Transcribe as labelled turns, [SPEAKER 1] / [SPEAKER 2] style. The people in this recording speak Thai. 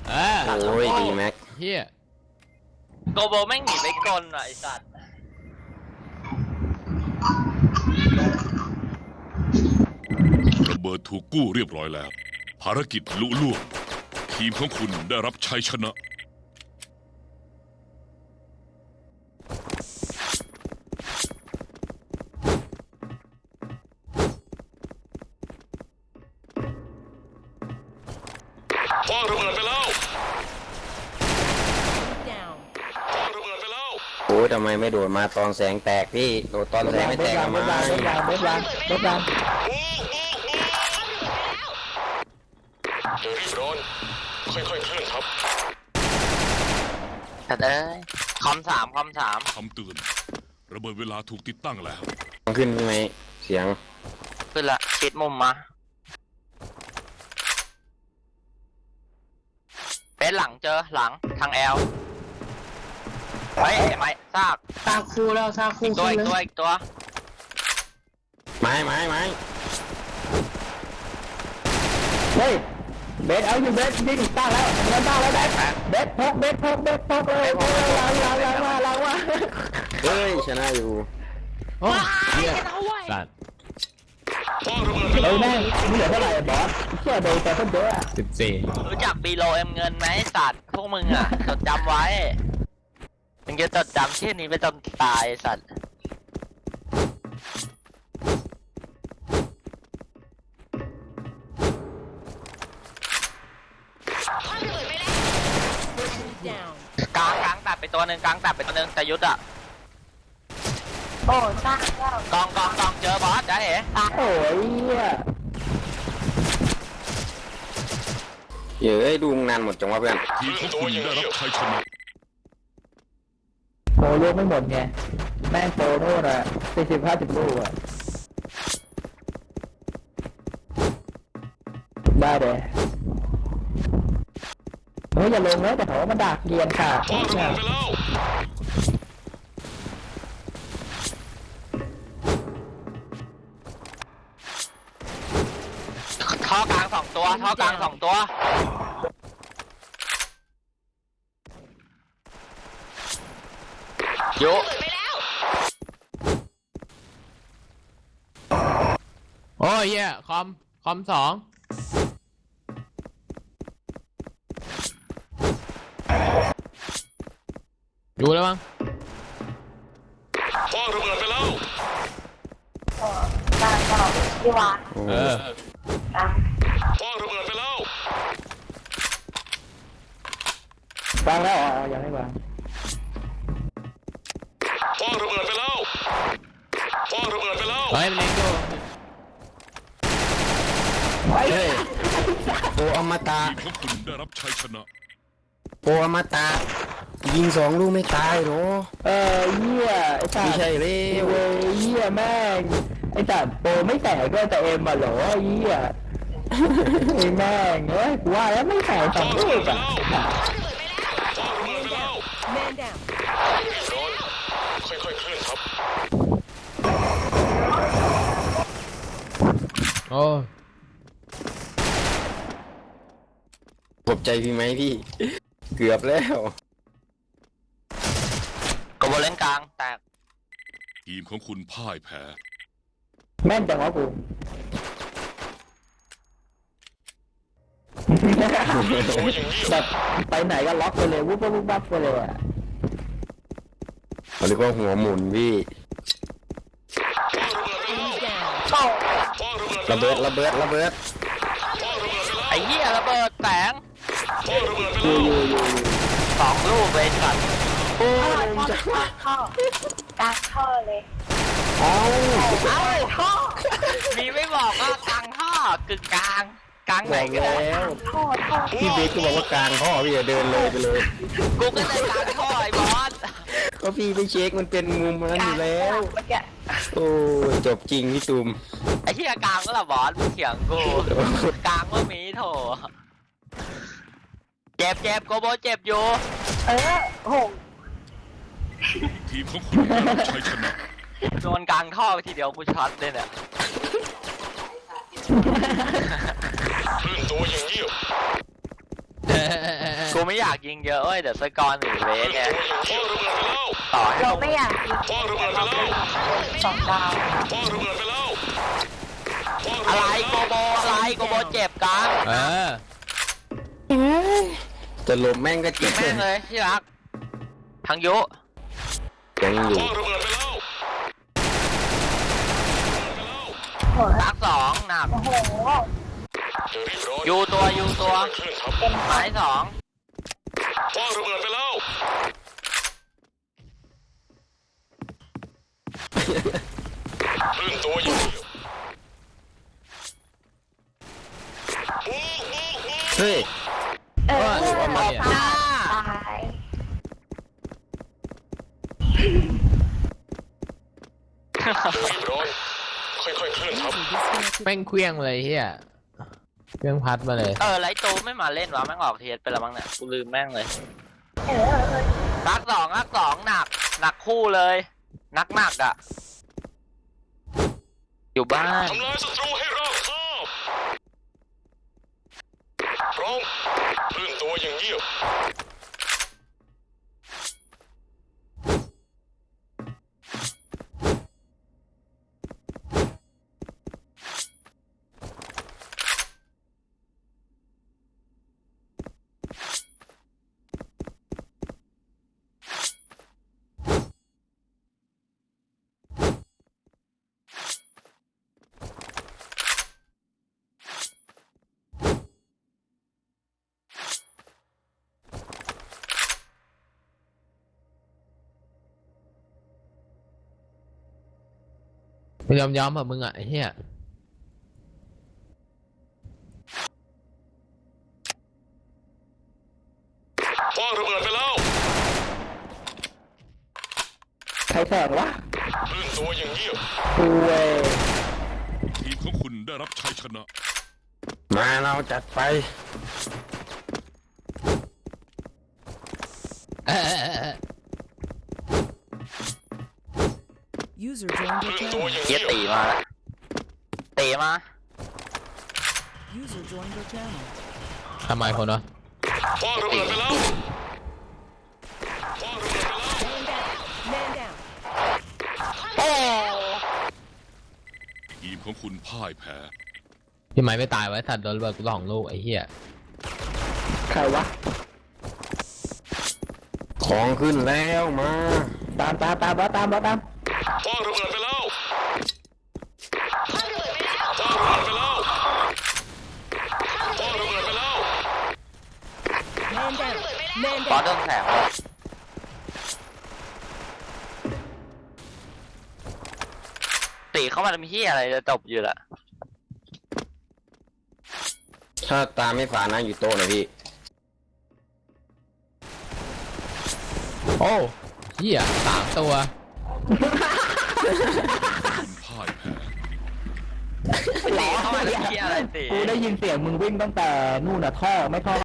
[SPEAKER 1] โอ้ยดีแม็ก
[SPEAKER 2] เฮีย
[SPEAKER 3] โกโบแม่งหนีไปกลว่ะไอสัตว์
[SPEAKER 4] ระเบิดถูกกู้เรียบร้อยแล้วภารกิจลุล่วงทีมของคุณได้รับชัยชนะคว้างระเบิดไปแล้วคว้างระเบิดไปแล้ว
[SPEAKER 1] โอ้ยทำไมไม่โดดมาตอนแสงแตกพี่โดดตอนแสงไม่แตกมา
[SPEAKER 5] เบสบาง
[SPEAKER 4] อย่ารีบร้อนค่อยๆเคลื่อนครับ
[SPEAKER 3] แต่เอ้ยคำถาม
[SPEAKER 4] คำเตือนระเบิดเวลาถูกติดตั้งแล้ว
[SPEAKER 1] ขึ้นไหมเสียง
[SPEAKER 3] ขึ้นละชิดมุมมาเป็นหลังเจอหลังทางแอลเฮ้ยไม้ซาก
[SPEAKER 5] คู่แล้วซากคู่
[SPEAKER 3] อีกตัว
[SPEAKER 1] ไม้
[SPEAKER 5] เฮ้ยเบสเอาอยู่เบสยิงตั้งแล้วเบสพกเลยล้างว่า
[SPEAKER 1] เฮ้ยชนะอยู่
[SPEAKER 2] โอ้เฮียสัตว์
[SPEAKER 5] เฮ้ยแม่งเหลือเท่าไหร่บอสเชื่อโดนแต่คนเยอะ
[SPEAKER 2] 14
[SPEAKER 3] รู้จักบีโลเอ็มเงินไหมสัตว์พวกมึงอ่ะจดจำไว้มึงจะจดจำชื่อนี้ไปจนตายสัตว์กลางตัดไปตัวหนึ่งแต่ยุทธอ่ะ
[SPEAKER 6] โอ้สร้างแล้ว
[SPEAKER 3] กองเจอบอสจ้าเอ๋
[SPEAKER 5] โอ้ย
[SPEAKER 1] เฮ้ยดูงานหมดจังวะเพื่อน
[SPEAKER 4] ทีมของคุณได้รับชัยชนะ
[SPEAKER 5] โปรลูกไม่หมดไงแม่งโปรโน่นอ่ะ40-50 ลูกอ่ะได้เลยเฮ้ยอย่าลงนะแต่เขาว่ามันดักเรียนค่ะ
[SPEAKER 3] ท่อกลาง2 ตัวยุ
[SPEAKER 2] โอ้ยเฮียคอม2ดูแล้วมั้ง
[SPEAKER 4] คว้างระเบิดไปแล้ว
[SPEAKER 6] สร้างต่อที่วาง
[SPEAKER 4] คว้างระเบิดไปแล้ว
[SPEAKER 5] วางแล้วยังไม่วาง
[SPEAKER 4] คว้างระเบิดไปแล้ว
[SPEAKER 2] เฮ้ยมันเล็งดู
[SPEAKER 1] เฮ้ยโออมตะ
[SPEAKER 4] ทีมของคุณได้รับชัยชนะ
[SPEAKER 1] โออมตะยิง2 ลูกไม่ตายหรอ
[SPEAKER 5] เหี้ยไอ้สัตว์
[SPEAKER 1] ไม่ใช่เลย
[SPEAKER 5] เหี้ยแม่งไอ้สัตว์โปรไม่แตกก็แต่เอ็มมาหรอเหี้ยไอ้แม่งเฮ้ยกูว่าแล้วไม่แตก2 ลูกอ่ะ
[SPEAKER 4] ค่อยๆเคลื่อนครับ
[SPEAKER 2] โอ้
[SPEAKER 1] ขอบใจพี่ไหมพี่เกือบแล้ว
[SPEAKER 3] กบเล่นกลางแตก
[SPEAKER 4] ทีมของคุณพ่ายแพ้
[SPEAKER 5] แม่นจังวะกูแบบไปไหนก็ล็อกไปเลยวุบวับไปเลยอ่ะ
[SPEAKER 1] เขาเรียกว่าหัวหมุนพี่ระเบิด
[SPEAKER 3] ไอ้เหี้ยระเบิดแสง2 ลูกเลยสัตว์
[SPEAKER 1] โอ้ย
[SPEAKER 6] จะกลางท่อเลย
[SPEAKER 3] ท่อมีไม่บอกว่ากลางท่อกึ่งกลางไหนก็ได้
[SPEAKER 6] ท่อ
[SPEAKER 1] พี่เบคก็บอกว่ากลางท่อพี่อย่าเดินเลยไปเลย
[SPEAKER 3] กูก็เลยกลางท่อไอ้บอส
[SPEAKER 1] ก็พี่ไปเช็คมันเป็นมุมนั้นอยู่แล้วโอ้จบจริงพี่ตุ่ม
[SPEAKER 3] ไอ้ที่กลางก็ละบอสเถียงกูกลางว่ามีโถเจ็บโกโบเจ็บอยู่
[SPEAKER 6] โห
[SPEAKER 4] ทีมของคุณได้รับชัยชนะ
[SPEAKER 3] โดนกลางท่อไปทีเดียวกูช็อตเลยเนี่ย
[SPEAKER 4] เคลื่อนตัวอย่างเงียบ
[SPEAKER 3] กูไม่อยากยิงเยอะเว้ยเดี๋ยวสกอร์หนีเวสเนี่ย
[SPEAKER 4] พ่อระเบิดไปแล้ว
[SPEAKER 3] ต่อให้
[SPEAKER 6] เรา
[SPEAKER 3] พวก
[SPEAKER 6] ไม่อยากกิน
[SPEAKER 4] พ่อระเบิดไปแล้ว
[SPEAKER 6] สองดาว
[SPEAKER 4] พ่อระเบิดไปแล้วพ่อ
[SPEAKER 3] อะไร
[SPEAKER 4] เบิด
[SPEAKER 3] โก
[SPEAKER 4] ปแล้ว
[SPEAKER 3] โบอะไรโกโบเจ็บกลาง
[SPEAKER 2] เออ
[SPEAKER 1] จะลมแม่งก็เจ็บ
[SPEAKER 3] แม่งเลยที่รักทางยุ
[SPEAKER 1] ยังอยู่
[SPEAKER 4] พ่อระเบิดไปแล้ว
[SPEAKER 6] โห
[SPEAKER 3] รักสองหนัก
[SPEAKER 6] โอ้โห
[SPEAKER 4] จะรีบร้อน
[SPEAKER 3] ยูตัวยูตัว
[SPEAKER 4] เคลื่อนทับ
[SPEAKER 6] เป็น
[SPEAKER 3] ไม้สอง
[SPEAKER 4] พ่อระเบิดไปแล้วเคลื่อนตัวอยู่
[SPEAKER 1] เฮ้ย
[SPEAKER 6] เออ
[SPEAKER 2] ว่าไงอะ
[SPEAKER 6] ตาย
[SPEAKER 4] รีบร้อนค่อยๆเคลื่อนทับ
[SPEAKER 2] แม่งเคลี้ยงเลยเฮียเครื่องพัดมาเลย
[SPEAKER 3] ไลท์ตูไม่มาเล่นวะแม่งออกเทียสไปแล้วมั้งเนี่ยกูลืมแม่งเลย
[SPEAKER 6] เออ
[SPEAKER 3] รักสองหนักหนักคู่เลยหนักอ่ะอยู่บ้าน
[SPEAKER 4] ทำลายศัตรูให้ราบคาบพร้อมเคลื่อนตัวอย่างเงียบ
[SPEAKER 2] ไม่ยอมแบบมึงอ่ะไอ้เฮีย
[SPEAKER 4] พ่อระเบิดไปแล้ว
[SPEAKER 5] ใครแสงวะ
[SPEAKER 4] เคลื่อนตัวอย่างเงียบ
[SPEAKER 5] กูเว้ย
[SPEAKER 4] ทีมของคุณได้รับชัยชนะ
[SPEAKER 1] มาเราจัดไป
[SPEAKER 2] เออ
[SPEAKER 7] User joined
[SPEAKER 4] เค
[SPEAKER 7] your
[SPEAKER 4] ลื่อนตัว
[SPEAKER 7] channel.
[SPEAKER 4] อย่าง
[SPEAKER 3] เกี
[SPEAKER 4] เงี
[SPEAKER 3] ย
[SPEAKER 4] ยบ
[SPEAKER 3] ตีมาแล้วตีมา
[SPEAKER 7] User joined your channel.
[SPEAKER 2] ทำไมคนวะ
[SPEAKER 4] พ่อระเบิดไปแล้วพ่อระเบิดไปแล้ว
[SPEAKER 7] Man down.
[SPEAKER 3] โอ้
[SPEAKER 4] ทีมของคุณพ่ายแพ้
[SPEAKER 2] พี่ไม้ไม่ตายไว้สัตว์โดนระเบิดกูสองลูกไอ้เหี้ย
[SPEAKER 5] ใครวะ
[SPEAKER 1] ของขึ้นแล้วมา
[SPEAKER 5] ตามบอสตาม
[SPEAKER 4] พ่อระเบิดไปแล้วพ่อระเบิดไปแล้วพ่อระเบิดไปแล้วพ่อระเบิดไปแล้ว
[SPEAKER 7] Man down. Man
[SPEAKER 3] บอ
[SPEAKER 7] down.
[SPEAKER 3] สโดนแสงว่ะตีเข้ามาทำเฮียอะไรจะจบอยู่ละ
[SPEAKER 1] ถ้าตาไม่ฝาดนะอยู่โต๊ะนะพี่
[SPEAKER 2] โอ้เหี้ย3 ตัว
[SPEAKER 4] คุณพ่ายแพ้
[SPEAKER 3] ตีเข้ามาทำเฮียอะไรตี
[SPEAKER 5] กูได้ยินเสียงมึงวิ่งตั้งแต่นู่นน่ะท่อไม่ท่อ